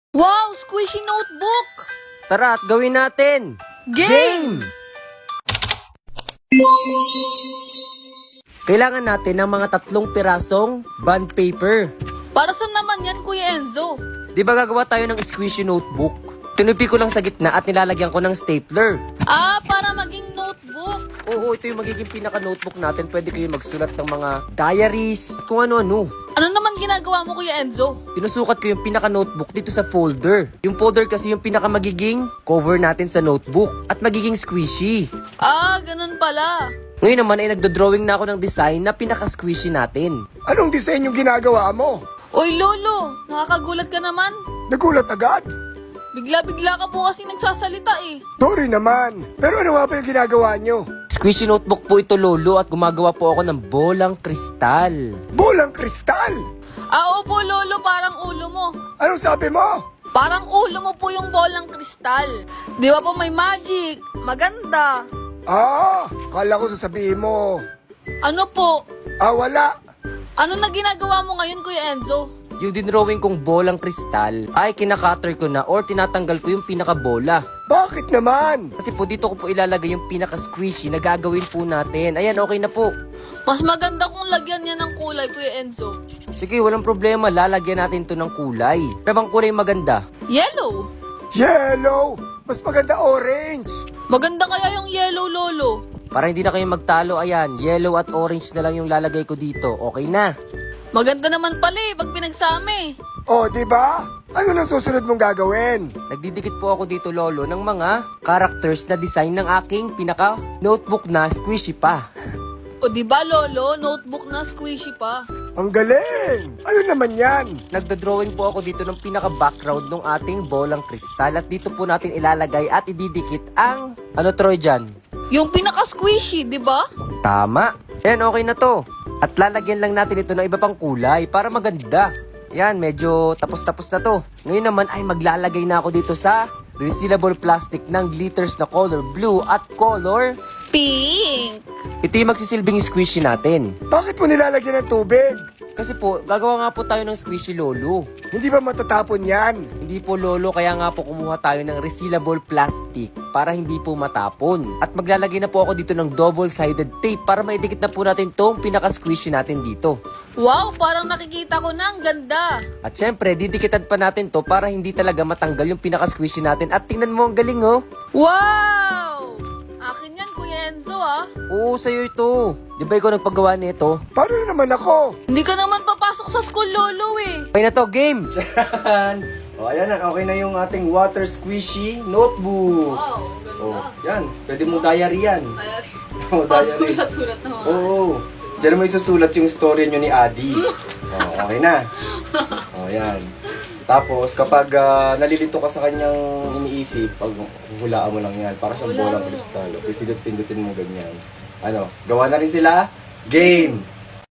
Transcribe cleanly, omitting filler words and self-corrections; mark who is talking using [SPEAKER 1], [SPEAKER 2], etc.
[SPEAKER 1] Wow! Squishy notebook!
[SPEAKER 2] Tara at gawin natin!
[SPEAKER 1] Game!
[SPEAKER 2] Kailangan natin ng mga 3 pirasong bond paper.
[SPEAKER 1] Para saan naman yan, Kuya Enzo?
[SPEAKER 2] Di ba gagawa tayo ng squishy notebook? Tinupi ko lang sa gitna at nilalagyan ko ng stapler.
[SPEAKER 1] Ah, para maging notebook.
[SPEAKER 2] Oo, ito yung magiging pinaka-notebook natin. Pwede kayo magsulat ng mga diaries, kung ano-ano.
[SPEAKER 1] Ano naman ginagawa mo, Kuya Enzo?
[SPEAKER 2] Sinusukat ko yung pinaka-notebook dito sa folder. Yung folder kasi yung pinaka-magiging cover natin sa notebook at magiging squishy.
[SPEAKER 1] Ah, ganun pala.
[SPEAKER 2] Ngayon naman ay nagdo-drawing na ako ng design na pinaka-squishy natin.
[SPEAKER 3] Anong design yung ginagawa mo?
[SPEAKER 1] Uy, Lolo! Nakakagulat ka naman.
[SPEAKER 3] Nagulat agad?
[SPEAKER 1] Bigla-bigla ka po kasi nagsasalita eh.
[SPEAKER 3] Sorry naman. Pero ano nga ba yung ginagawa nyo?
[SPEAKER 2] Squishy notebook po ito, Lolo, at gumagawa po ako ng bolang kristal.
[SPEAKER 3] Bolang kristal!
[SPEAKER 1] Ah, opo, Lolo, parang ulo mo.
[SPEAKER 3] Anong sabi mo?
[SPEAKER 1] Parang ulo mo po yung bolang kristal. Di ba po may magic? Maganda.
[SPEAKER 3] Kala ko sasabihin mo.
[SPEAKER 1] Ano po?
[SPEAKER 3] Wala.
[SPEAKER 1] Ano na ginagawa mo ngayon, Kuya Enzo?
[SPEAKER 2] Yung dinrawing kong bolang kristal ay kinakater ko na or tinatanggal ko yung pinaka-bola.
[SPEAKER 3] Bakit naman?
[SPEAKER 2] Kasi po dito ko po ilalagay yung pinaka-squishy na gagawin po natin. Ayan, okay na po.
[SPEAKER 1] Mas maganda kung lagyan niya ng kulay, Kuya Enzo.
[SPEAKER 2] Sige, walang problema. Lalagyan natin to ng kulay. Pero bang kulay maganda?
[SPEAKER 1] Yellow.
[SPEAKER 3] Yellow! Mas maganda orange!
[SPEAKER 1] Maganda kaya yung yellow, Lolo.
[SPEAKER 2] Para hindi na kayo magtalo, ayan, yellow at orange na lang yung lalagay ko dito. Okay na.
[SPEAKER 1] Maganda naman pala eh, pag pinagsama eh.
[SPEAKER 3] Di ba? Ano nang susunod mong gagawin?
[SPEAKER 2] Nagdidikit po ako dito, Lolo, ng mga characters na design ng aking pinaka-notebook na squishy pa.
[SPEAKER 1] O di ba, Lolo? Notebook na squishy pa.
[SPEAKER 3] Ang galing! Ano naman yan?
[SPEAKER 2] Nagdodrawing po ako dito ng pinaka-background ng ating bolang kristal at dito po natin ilalagay at ididikit ang, ano Troy dyan?
[SPEAKER 1] Yung pinaka-squishy, di ba?
[SPEAKER 2] Tama. Yan, okay na to. At lalagyan lang natin ito ng iba pang kulay para maganda. Yan, medyo tapos-tapos na to. Ngayon naman ay maglalagay na ako dito sa resealable plastic ng glitters na color blue at color.
[SPEAKER 1] Pink.
[SPEAKER 2] Ito yung magsisilbing squishy natin.
[SPEAKER 3] Bakit mo nilalagyan ng tubig?
[SPEAKER 2] Kasi po, gagawa nga po tayo ng squishy, Lolo.
[SPEAKER 3] Hindi ba matatapon yan?
[SPEAKER 2] Hindi po, Lolo, kaya nga po kumuha tayo ng resealable plastic para hindi po matapon. At maglalagay na po ako dito ng double-sided tape para maidikit na po natin tong pinaka-squishy natin dito.
[SPEAKER 1] Wow, parang nakikita ko na, ang ganda.
[SPEAKER 2] At syempre, didikitan pa natin to para hindi talaga matanggal yung pinaka-squishy natin. At tingnan mo, ang galing, oh.
[SPEAKER 1] Wow! Akin yan, Kuya Enzo, ah.
[SPEAKER 2] Oo, sa'yo ito. Di ba ikaw nagpagawa nito?
[SPEAKER 3] Paano naman ako?
[SPEAKER 1] Hindi ka naman papasok sa school, Lolo, eh.
[SPEAKER 2] Okay na to, game! Charan! O, ayan na. Okay na yung ating water squishy notebook.
[SPEAKER 1] Wow,
[SPEAKER 2] O, yan. Pwede mo diary yan. O, diary.
[SPEAKER 1] Sulat-sulat naman.
[SPEAKER 2] Oo. Diyan mo isusulat yung story nyo ni Adi. Okay na. O, yan. Tapos, kapag nalilito ka sa kanyang iniisip, pag hulaan mo lang yan, para siyang bolang kristal. Pipindot-pindutin mo ganyan. Ano, gawa na rin sila? Game!